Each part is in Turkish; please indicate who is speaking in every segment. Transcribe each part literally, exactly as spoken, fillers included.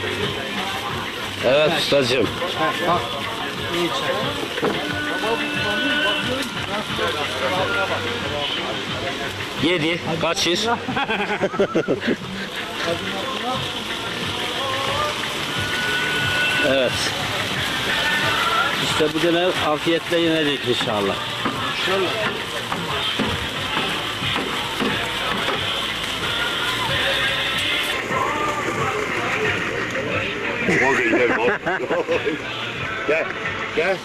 Speaker 1: Evet ustacığım.
Speaker 2: Bak. İyi çek.
Speaker 1: Yedi. Kaçır. Evet. İşte bu dönem afiyetle yenecek inşallah.
Speaker 2: Şöyle.
Speaker 3: Gel, gel.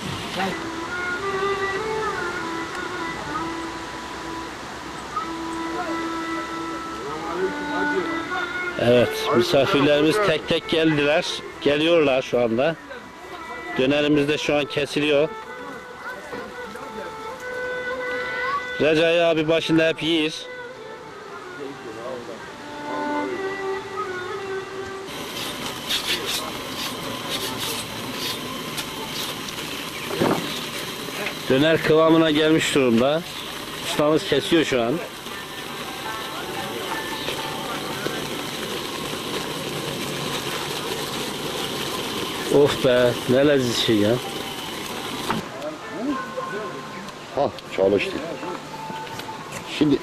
Speaker 1: Evet, misafirlerimiz tek tek geldiler. Geliyorlar şu anda. Dönerimiz de şu an kesiliyor. Recai abi başında hep yiyir. Döner kıvamına gelmiş durumda. Ustamız kesiyor şu an. Of be, ne leziz şey ya.
Speaker 3: Ha, çalıştı. Şimdi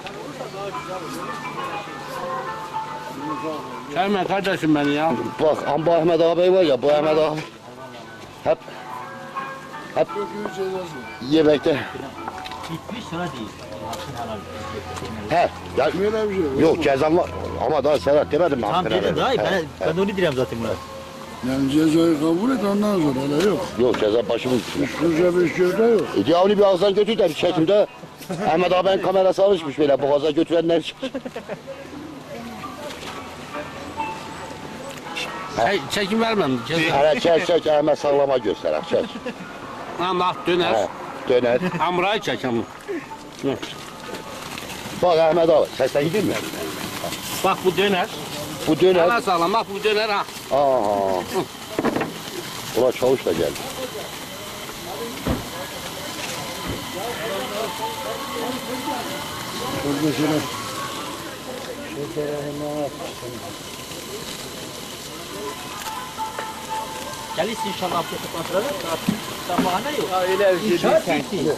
Speaker 1: Sevme kardeşim beni ya.
Speaker 3: bak, ama bu Ahmet abi var ya, bu Ahmet abi hep hep yemekte.
Speaker 4: Bitmiş sonra değil.
Speaker 3: He, ya, yok cezam var ama daha Serhat demedim mi?
Speaker 4: Tamam
Speaker 3: hakkına
Speaker 4: dedim daha iyi.
Speaker 3: verdim.
Speaker 4: Ben,
Speaker 3: He,
Speaker 4: ben de onu diyeceğim zaten Murat.
Speaker 5: Yani cezayı kabul et ondan sonra öyle yok.
Speaker 3: he. Yok ceza başımın üstüne.
Speaker 5: Sürece bir şey de yok.
Speaker 3: E, ya onu bir ağızdan götür de bir çekimde Ahmet abinin kamerası alışmış böyle boğaza götürenler çıkmış.
Speaker 1: Hey, çekim vermem. Ceza.
Speaker 3: Hele çek çek Ahmet sağlama göster çek.
Speaker 1: Allah döner.
Speaker 3: He, döner.
Speaker 1: Hamurayı çek hamur.
Speaker 3: Bak Ahmet abi sesten gidiyor mu?
Speaker 1: Bak bu döner.
Speaker 3: Bu döner.
Speaker 1: Allah sağlam bak bu döner ha.
Speaker 3: Aha. Ulan çavuş da geldi.
Speaker 5: Şurada şöyle.
Speaker 4: Gelirsin inşallah afiyet kontrolü. Sabahına yok.
Speaker 2: Ha öyle bir şey değil
Speaker 4: İnşaat
Speaker 2: sen.
Speaker 4: bitti.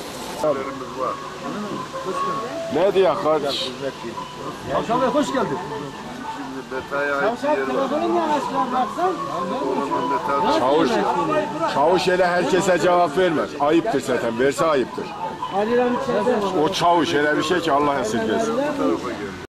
Speaker 5: Ne diyor kardeş?
Speaker 4: Akşam Bey hoş geldin.
Speaker 5: Çavuş, çavuş hele herkese cevap vermez. Ayıptır zaten, verse ayıptır. O çavuş hele bir şey ki Allah esirgesin.